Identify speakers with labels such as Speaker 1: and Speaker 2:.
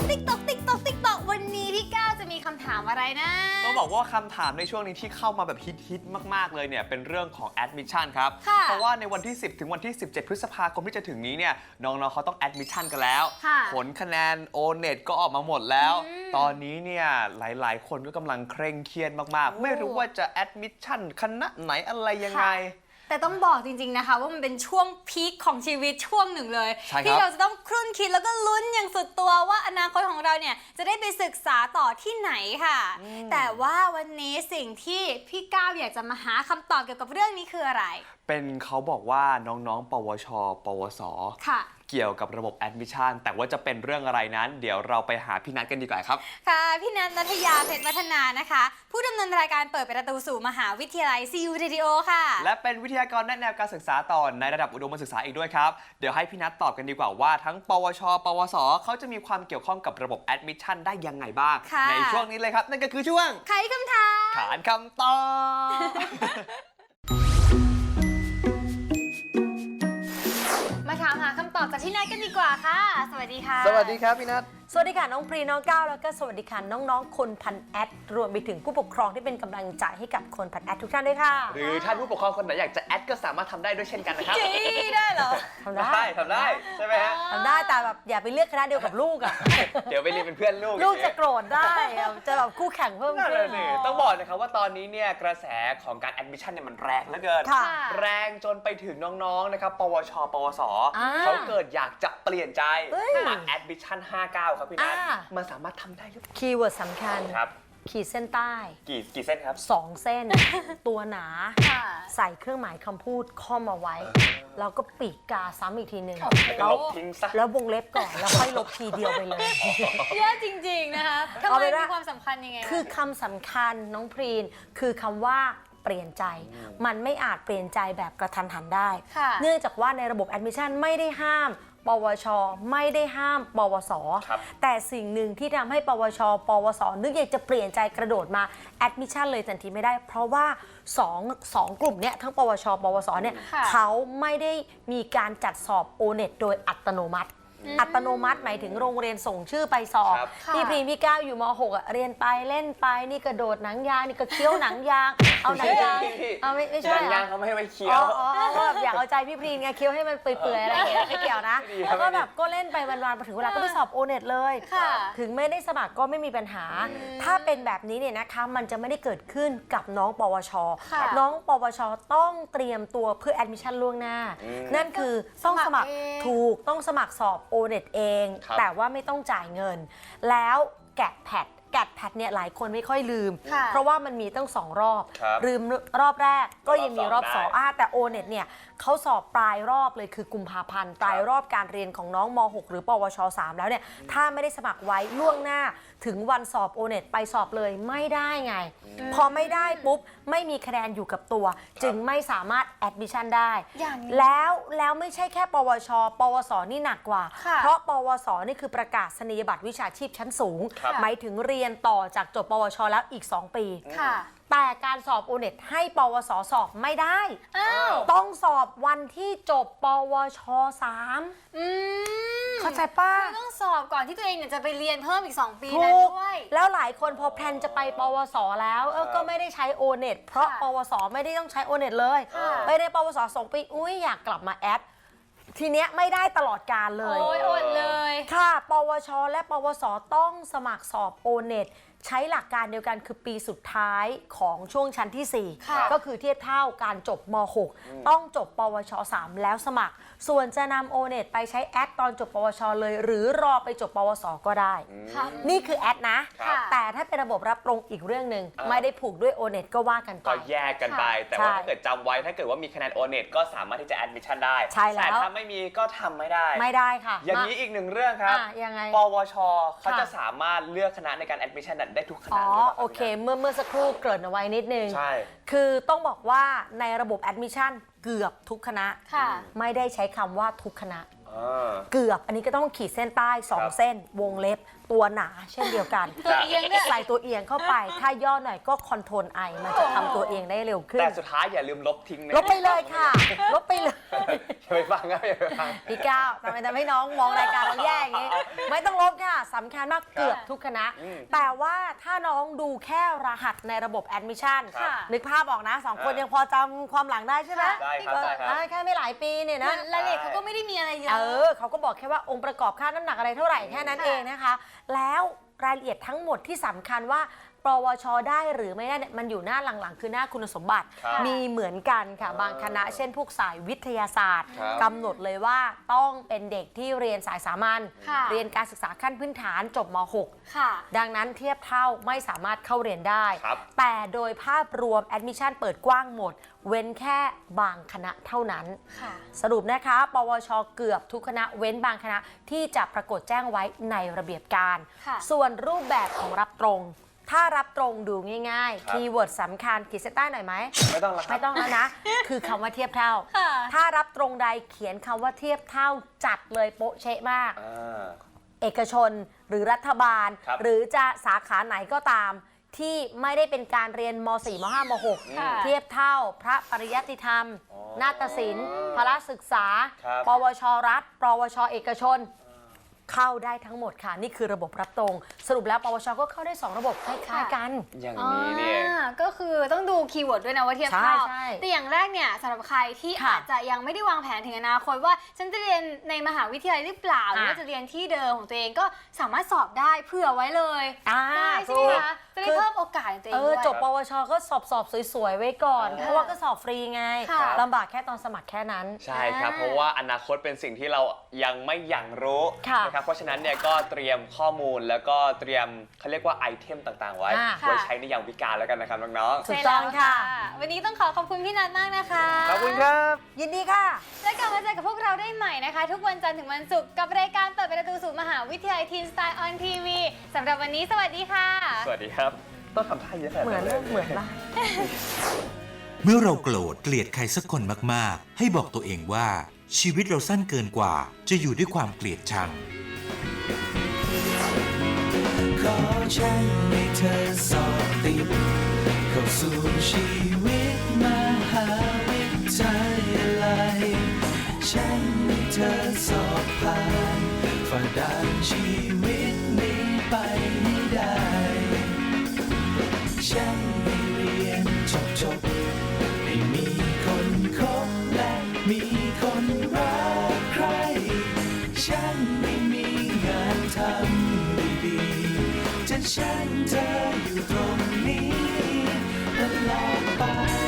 Speaker 1: ติ๊กตอกวันนี้พี่ก้าวจะมีคำถามอะไรนะ
Speaker 2: ต้องบอกว่าคำถามในช่วงนี้ที่เข้ามาแบบฮิตมากๆเลยเนี่ยเป็นเรื่องของ admission ครับเพราะว่าในวันที่ 10 ถึงวันที่ 17 พฤษภาคมที่จะถึงนี้เนี่ยน้องๆเขาต้อง admission กันแล้วผลคะแนน O-NET ก็ออกมาหมดแล้วตอนนี้เนี่ยหลายๆคนก็กำลังเคร่งเครียดมากๆไม่รู้ว่าจะ admission คณะไหนอะไรยังไง
Speaker 1: แต่ต้องบอกจริงๆนะคะว่ามันเป็นช่วงพีคของชีวิตช่วงหนึ่งเลยที่เราจะต้องครุ่นคิดแล้วก็ลุ้นอย่างสุดตัวว่าอนาคตของเราเนี่ยจะได้ไปศึกษาต่อที่ไหนค่ะแต่ว่าวันนี้สิ่งที่พี่ก้าวอยากจะมาหาคำตอบเกี่ยวกับเรื่องนี้คืออะไร
Speaker 2: เป็นเขาบอกว่าน้องๆปวชปวส
Speaker 1: ค่ะ
Speaker 2: เกี่ยวกับระบบ admission แต่ว่าจะเป็นเรื่องอะไรนั้นเดี๋ยวเราไปหาพี่นัทกันดีกว่าครับ
Speaker 1: ค่ะพี่นัท ณัฐยาเพชรวัฒนานะคะผู้ดำเนินรายการเปิดประตูสู่มหาวิทยาลัย CU Radio ค่ะ
Speaker 2: และเป็นวิทยากรแนะแนวการศึกษาต่อในระดับอุดมศึกษาอีกด้วยครับเดี๋ยวให้พี่นัทตอบกันดีกว่าว่าทั้งปวชปวสเขาจะมีความเกี่ยวข้องกับระบบ admission ได้ยังไงบ้างในช่วงนี้เลยครับนั่นก็คือช่วง
Speaker 1: ไขคำถาม
Speaker 2: ขานคำตอบ
Speaker 1: มาถามหาคำตอบจากพี่นัทกันดีกว่าค่ะสวัสดีค่ะ
Speaker 2: สวัสดีครับพี่นัท
Speaker 3: สวัสดีค่ะน้องพรีน้องก้าวแล้วก็สวัสดีค่ะน้องๆคนพันแอดรวมไปถึงผู้ปกครองที่เป็นกำลังใจให้กับคนพันแอดทุกท่านด้วยค่ะ
Speaker 2: หรือท่านผู้ปกครองคนไหนอยากจะแอดก็สามารถทำได้ด้วยเช่นกันนะครับ
Speaker 1: ได้เหรอ
Speaker 3: ทำได้
Speaker 2: ใช่ไหมฮะ
Speaker 3: ทำได้แต่แบบอย่าไปเลือกคณะเดียวกับลูกอ่ะ
Speaker 2: เดี๋ยวไปเรียนเป็นเพื่อน
Speaker 3: ลูกจะโกรธได้จะแบบคู่แข่งเพิ่มขึ้น
Speaker 2: ต้องบอกนะครับว่าตอนนี้เนี่ยกระแสของการแอดมิชชั่นเนี่ยมันแรงเหลือเกินแรงจนไปถึงน้องๆนะครับปวชปวสเขาเกิดอยากจะเปลี่ยนใจมาแอดมิชชั่น59ครับพี่นัทมันสามารถทำได้หรือเปล่า
Speaker 3: คีย์เวิร์ดสำคัญ
Speaker 2: ครับ
Speaker 3: ขีดเส้นใต้
Speaker 2: กี่เส้นครับ
Speaker 3: 2 เส้นตัวหนาใส่เครื่องหมายคำพูดข้อมาไว้แล้วก็ปีกกาซ้ำอีกทีหนึ่งแล้ววงเล็บก่อนแล้วค่อยลบทีเดียวไปเลย
Speaker 1: เยอะจริงๆนะคะทำไมมีความสำคัญยังไง
Speaker 3: คือคำสำคัญน้องพรีนคือคำว่าเปลี่ยนใจมันไม่อาจเปลี่ยนใจแบบกระทันหันได้เนื่องจากว่าในระบบแอดมิชชั่นไม่ได้ห้ามปวชไม่ได้ห้ามปวสแต่สิ่งหนึ่งที่ทำให้ปวชปวสนึกอยากจะเปลี่ยนใจกระโดดมาแอดมิชชั่นเลยทันทีไม่ได้เพราะว่าสองกลุ่มเนี้ยทั้งปวชปวสเนี่ยเขาไม่ได้มีการจัดสอบ O-NET โดยอัตโนมัติหมายถึงโรงเรียนส่งชื่อไปสอบพี่พรีพี่ก้าวอยู่ม.6อ่ะเรียนไปเล่นไปนี่กระโดดหนังยางนี่ก็เคี้ยวหนังยางเอาหนังยางเอาไม่ใช่
Speaker 2: หนังยางเขาไม่ให้มันเคี้ยว
Speaker 3: แบบอยากเอาใจพี่พรีไงเคี้ยวให้มันเปื่อยๆอะไรอย่างเงี้ยไม่เกี่ยวนะแล้วก็แบบก็เล่นไปวันๆพอถึงเวลาก็ไปสอบ O-NET เลยถึงไม่ได้สมัครก็ไม่มีปัญหาถ้าเป็นแบบนี้เนี่ยนะคะมันจะไม่ได้เกิดขึ้นกับน้องปวชน้องปวชต้องเตรียมตัวเพื่อแอดมิชชั่นล่วงหน้านั่นคือต้องสมัครต้องสมัครสอบ O-NET เองแต่ว่าไม่ต้องจ่ายเงินแล้วแกดแพดเนี่ยหลายคนไม่ค่อยลืมเพราะว่ามันมีตั้ง2 รอบลืมรอบแรกก็ยังมีรอบ2แต่ O-NET เนี่ยเขาสอบปลายรอบเลยคือกุมภาพันธ์ปลายรอบการเรียนของน้องม.6 หรือปวช3แล้วเนี่ยถ้าไม่ได้สมัครไว้ล่วงหน้าถึงวันสอบ O-NET ไปสอบเลยไม่ได้ไงพอไม่ได้ปุ๊บไม่มีคะแนนอยู่กับตัวจึงไม่สามารถแอดมิชชั่นได้แล้วไม่ใช่แค่ปวชปวสนี่หนักกว่าเพราะปวสนี่คือประกาศนียบัตรวิชาชีพชั้นสูงหมายถึงเรียนต่อจากจบปวชแล้วอีก2 ปีแต่การสอบ O-NET ให้ปวสสอบไม่ได้ต้องสอบวันที่จบปวช3เข้าใจป้า
Speaker 1: ต้องสอบก่อนที่ตัวเองเนี่ยจะไปเรียนเพิ่มอีก2 ปีนั้นด้วย
Speaker 3: แล้วหลายคนพอแพลนจะไปปวสแล้วก็ไม่ได้ใช้ O-NET เพราะปวสไม่ได้ต้องใช้ O-NET เลยไม่ได้ปวส2 ปีอยากกลับมาแอดทีเนี้ยไม่ได้ตลอดกาลเลย
Speaker 1: อดเลย
Speaker 3: ค่ะปวชและปวสต้องสมัครสอบ O-NET ใช้หลักการเดียวกันคือปีสุดท้ายของช่วงชั้นที่4ก็คือเทียบเท่าการจบม.6 ต้องจบปวช3แล้วสมัครส่วนจะนำ O-NET ไปใช้แอดตอนจบปวชเลยหรือรอไปจบปวสก็ได้นี่คือแอดนะแต่ถ้าเป็นระบบรับตรงอีกเรื่องหนึ่งไม่ได้ผูกด้วย O-NET ก็ว่ากันไป
Speaker 2: ก็แยกกันไปแต่ว่าถ้าเกิดจำไว้ถ้าเกิดว่ามีคะแนน O-NET ก็สามารถที่จะแอดมิชชั่นได้แต่ถ้าไม่มีก็ทำไม่ได้
Speaker 3: ค่ะ
Speaker 2: อย่างนี้อีก1 เรื่องครับ
Speaker 3: ยังไง
Speaker 2: ปวชเขาจะสามารถเลือกคณะในการแอดมิชชั่นได้ทุกคณะ
Speaker 3: โอเคเมื่อสักครู่เกริ่นเอาไว้นิดนึง
Speaker 2: ใช่
Speaker 3: คือต้องบอกว่าในระบบแอดมิชชั่นเกือบทุกคณะไม่ได้ใช้คำว่าทุกคณะเกือบอันนี้ก็ต้องขีดเส้นใต้ 2 เส้นวงเล็บตัวหนาเช่นเดียวกัน
Speaker 1: ตัวเอียงด้วย
Speaker 3: ใส่ตัวเอียงเข้าไป ถ้าย่อหน่อยก็คอนโทรลไอมันจะทำตัวเองได้เร็วขึ้น
Speaker 2: แต่สุดท้ายอย่าลืมลบทิ้งนะ
Speaker 3: ลบไปเลยค่ะ ลบไปเลย
Speaker 2: อย่าไปฟังครับอย่าไปฟัง
Speaker 3: พี่ก้าวทำไมทำให้น้องมองรายการเราแย่อย่างนี้ ไม่ต้องลบค่ะสำคัญมากเกือบทุกคณะ แต่ว่าถ้าน้องดูแค่รหัสในระบบแอดมิชชั่น
Speaker 1: ค่ะ
Speaker 3: นึกภาพออกนะ2 คนยังพอจำความหลังได้ใช่ไหม
Speaker 2: ได้ครับได้ครับ
Speaker 3: แค่ไม่หลายปีเนี่ยนะ
Speaker 1: รายละเอียดเขาก็ไม่ได้มีอะไรเยอะ
Speaker 3: เขาก็บอกแค่ว่าองค์ประกอบค่าน้ำหนักอะไรเท่าไหร่แค่นั้นเองนะคะ แล้วรายละเอียดทั้งหมดที่สำคัญว่าปวชได้หรือไม่ได้เนี่ยมันอยู่หน้าหลังๆ คือหน้าคุณสมบัติ
Speaker 2: ครับ
Speaker 3: มีเหมือนกันค่ะบางคณะเช่นพวกสายวิทยาศาสตร์
Speaker 2: ครับ
Speaker 3: กำหนดเลยว่าต้องเป็นเด็กที่เรียนสายสามัญ
Speaker 1: ค่ะ
Speaker 3: เรียนการศึกษาขั้นพื้นฐานจบม
Speaker 1: ค่ะ
Speaker 3: .6 ดังนั้นเทียบเท่าไม่สามารถเข้าเรียนได้
Speaker 2: ครับ
Speaker 3: แต่โดยภาพรวมแอดมิชชั่นเปิดกว้างหมด เว้นแค่บางคณะเท่านั้น
Speaker 1: ค่ะ
Speaker 3: สรุปนะคะ ปวช เกือบทุกคณะเว้นบางคณะที่จะปรากฏแจ้งไว้ในระเบียบการ
Speaker 1: ค่ะ
Speaker 3: ส่วนรูปแบบของรับตรง ถ้ารับตรงดูง่าย
Speaker 2: ครับ
Speaker 3: ๆ คีย์เวิร์ดสำคัญขีดเส้นใต้หน่อยไหม
Speaker 2: ไม่ต้องละครั
Speaker 3: ไม่
Speaker 2: บ
Speaker 3: ต้องแล้วนะ คือคำว่าเทียบเท่า
Speaker 1: ค่ะ
Speaker 3: ถ้ารับตรงใดเขียนคำว่าเทียบเท่าจัดเลยโป๊ะเชะมาก เอกชนหรือรัฐบาล
Speaker 2: ครับ
Speaker 3: หรือจะสาขาไหนก็ตาม ที่ไม่ได้เป็นการเรียนม .4 ม .5 ม
Speaker 1: ค่ะ
Speaker 3: .6 เทียบเท่าพระปริยัติธรรม นาฏศิลป์พละศึกษา
Speaker 2: ครับ
Speaker 3: ปวช รัฐ ปวช เอกชน เข้าได้ทั้งหมดค่ะ นี่คือระบบรับตรง สรุปแล้วปวช ก็เข้าได้ 2 ระบบคล้ายๆกัน
Speaker 2: อย่างนี้เนี่ย
Speaker 1: ก็คือต้องดูคีย์เวิร์ดด้วยนะว่าเทียบเท่า
Speaker 3: ใช่
Speaker 1: แต่อย่างแรกเนี่ยสำหรับใครที่
Speaker 3: ค่ะ
Speaker 1: อาจจะยังไม่ได้วางแผนถึงอนาคตว่าฉันจะเรียนในมหาวิทยาลัยหรือเปล่าหรือว่าจะเรียนที่เดิมของตัวเองก็สามารถสอบได้เผื่อไว้เลย ได้ใช่ไหมคะจะได้เพิ่มโอกาสในตัวเองด้วย
Speaker 3: จบปวช ก็สอบสวยๆ ไว้ก่อน
Speaker 2: ค่ะ
Speaker 3: เพราะว่าก็สอบฟรีไง
Speaker 1: ค่ะ
Speaker 3: ลำบากแค่ตอนสมัครแค่นั้น
Speaker 2: ใช่ครับ เพราะว่าอนาคตเป็นสิ่งที่เรายังไม่อย่างรู้
Speaker 3: ค่ะ
Speaker 2: นะครับ เพราะฉะนั้นเนี่ยก็เตรียมข้อมูลแล้วก็เตรียมเขาเรียกว่าไอเทมต่างๆ ไว้ ไว้ใช้ในยามวิกาลแล้วกันนะครับน้อง
Speaker 3: ถูกต้องค่ะ
Speaker 1: ใช่แล้ววันนี้ต้องขอบคุณพี่นัทมากนะคะ
Speaker 2: ๆ ขอบคุณครับ
Speaker 3: ยินดีค่ะ
Speaker 1: แล้วกลับมาเจอกับพวกเราได้ใหม่นะคะ ทุกวันจันทร์ถึงวันศุกร์กับรายการเปิดประตูสู่มหาวิทยาลัยทีนสไตล์ออนทีวีสำหรับวันนี้สวัสดีค่ะ
Speaker 2: สวัสดีครับ ต้องทำท่าเยอะขนาด
Speaker 3: เหมือ
Speaker 2: นั้น นเลย
Speaker 3: เหมือนละ
Speaker 4: เมื่อเราโกรธเกลียดใครสักคนมากๆ ให้บอกตัวเองว่า ชีวิตเราสั้นเกินกว่า จะอยู่ด้วยความเกลียดชัง
Speaker 5: ขอฉันให้เธอสอบติดเข้าสู่ชีวิตมหาวิทยาลัยฉันให้เธอสอบผ่านฝ่าด่านชีวิตนี้ไปให้ได้ ฉันให้เรียนจบให้มีคนคบและมีคนรักใคร ฉันไม่มีงานทำดีๆจะฉันเธออยู่ตรงนี้ตลอดไป